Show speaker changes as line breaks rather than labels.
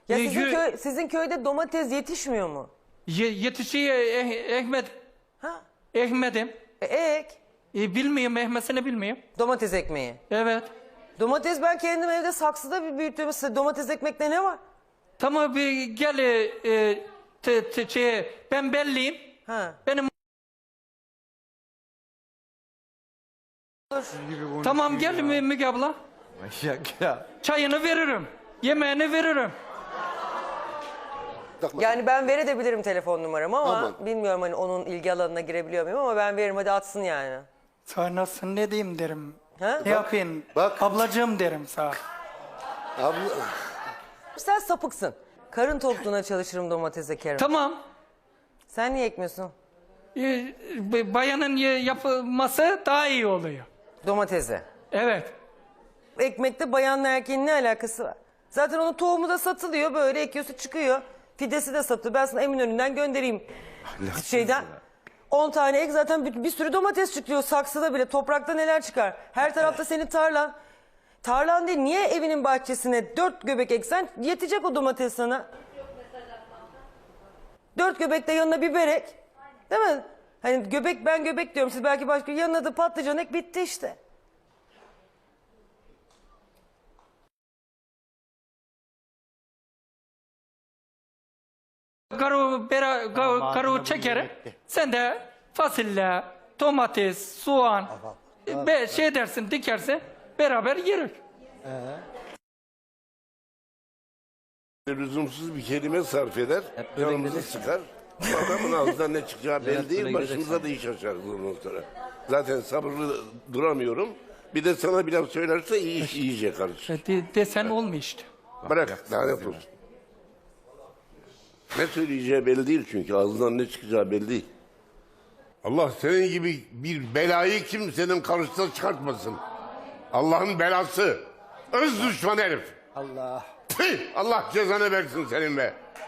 Ya sizin köyde domates yetişmiyor mu?
Yetişiyor Ahmet.
Ha?
Ahmet'im.
Ek.
Bilmiyorum, Ahmet'ini bilmiyorum.
Domates ekmeği.
Evet.
Domates ben kendim evde saksıda bir büyüttüm. Domates ekmekte ne var?
Tamam, bir gel ben belliyim.
Ha.
Benim tamam, gel Müge abla.
Manyak ya.
Çayını veririm. Yemeğini veririm.
Yani ben verebilirim telefon numaramı ama
Aman.
bilmiyorum hani onun ilgi alanına girebiliyor muyum ama ben veririm, hadi atsın yani.
Sonrasın ne diyeyim derim.
Ha?
Ne yapayım?
Bak.
Ablacığım derim sağ.
Abla,
Sen sapıksın. Karın tokluğuna çalışırım domates ekerim.
Tamam.
Sen niye ekmiyorsun
Bayanın yapılması daha iyi oluyor.
domatesi?
Evet.
Ekmekte bayanla erkeğin ne alakası var? Zaten onun tohumu da satılıyor, böyle ekiyorsun çıkıyor. Fidesi de satılıyor. Ben sana Eminönü'nden göndereyim. Şeyden. 10 tane ek, zaten bir sürü domates çıkıyor saksıda bile. Toprakta neler çıkar? Her tarafta senin tarlan. Tarlan değil, niye evinin bahçesine 4 göbek eksen yetecek o domates sana. 4 göbek de yanına biber ek. Değil mi? Hani göbek, ben göbek diyorum, siz belki başka, yanına da patlıcan ek, bitti işte.
Karu çekerim. Sen de fasulye, domates, soğan şey dersin, dikersin, beraber yeriz.
lüzumsuz bir kelime sarf eder, canımızı sıkar. Adamın ağzından ne çıkacağı belli değil, başımıza da iş açarız ondan sonra. Zaten sabırlı duramıyorum. Bir de sana bir laf söylerse iyice karışır.
Desen olmuyor işte.
Bırak, lanet olsun. Ne söyleyeceği belli değil çünkü, ağzından ne çıkacağı belli değil. Allah senin gibi bir belayı kimsenin karşısına çıkartmasın. Allah'ın belası. Öz düşman herif.
Allah.
Tüh, Allah cezanı versin senin be.